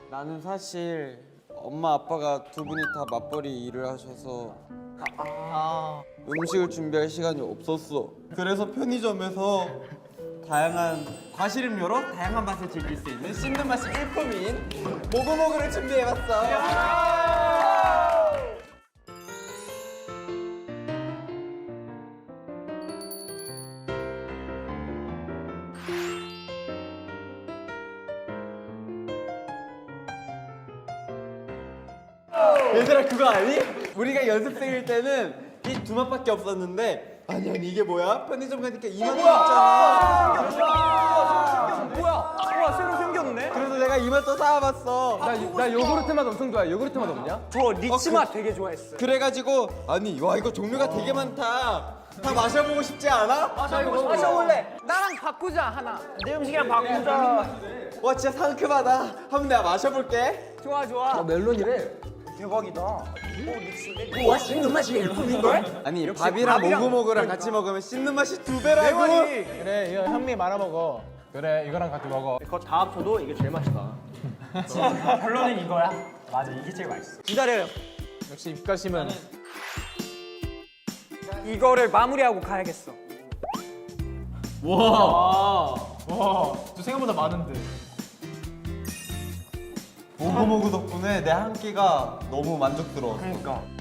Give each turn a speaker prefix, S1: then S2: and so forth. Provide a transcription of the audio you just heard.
S1: 나는 사실 엄마 아빠가 두 분이 다 맞벌이 일을 하셔서 음식을 준비할 시간이 없었어. 그래서 편의점에서 다양한 과실 음료로 다양한 맛을 즐길 수 있는 씹는 맛이 일품인 모구모구를 준비해봤어. 얘들아 그거 아니? 우리가 연습생일 때는 이 두 맛밖에 없었는데 아니 이게 뭐야? 편의점 가니까 이 맛도 있잖아.
S2: 뭐야? 새로 생겼네?
S1: 그래서 내가 이 맛도 사와봤어.
S3: 나 요구르트 맛 엄청 좋아해. 요구르트 맛 없냐?
S2: 저 리치 맛 되게 좋아했어.
S1: 그래가지고 아니 와 이거 종류가 되게 많다. 다 마셔보고 싶지 않아?
S2: 마셔볼래? 나랑 바꾸자 하나. 내 음식이랑 바꾸자.
S1: 와 진짜 상큼하다. 한번 내가 마셔볼게.
S2: 좋아 좋아.
S3: 멜론이래.
S2: 대박이다. 오 리치인데? 와 씹는 맛이 일품인 걸?
S1: 아니
S2: 역시
S1: 밥이랑
S2: 밥이랑
S1: 모구모구랑 같이 먹으면 씹는 맛이 두 배라고.
S2: 대박이.
S3: 그래, 이거 현미 말아 먹어. 그래, 이거랑 같이 먹어.
S2: 그거 다 합쳐도 이게 제일 맛있다. 결론은 이거야. 맞아 이게 제일 맛있어. 기다려요.
S3: 역시 입가심은.
S2: 이거를 마무리하고 가야겠어.
S3: 와, 저 생각보다 많은데.
S1: 모구모구 덕분에 내 한 끼가 너무 만족스러웠어.
S2: 그러니까.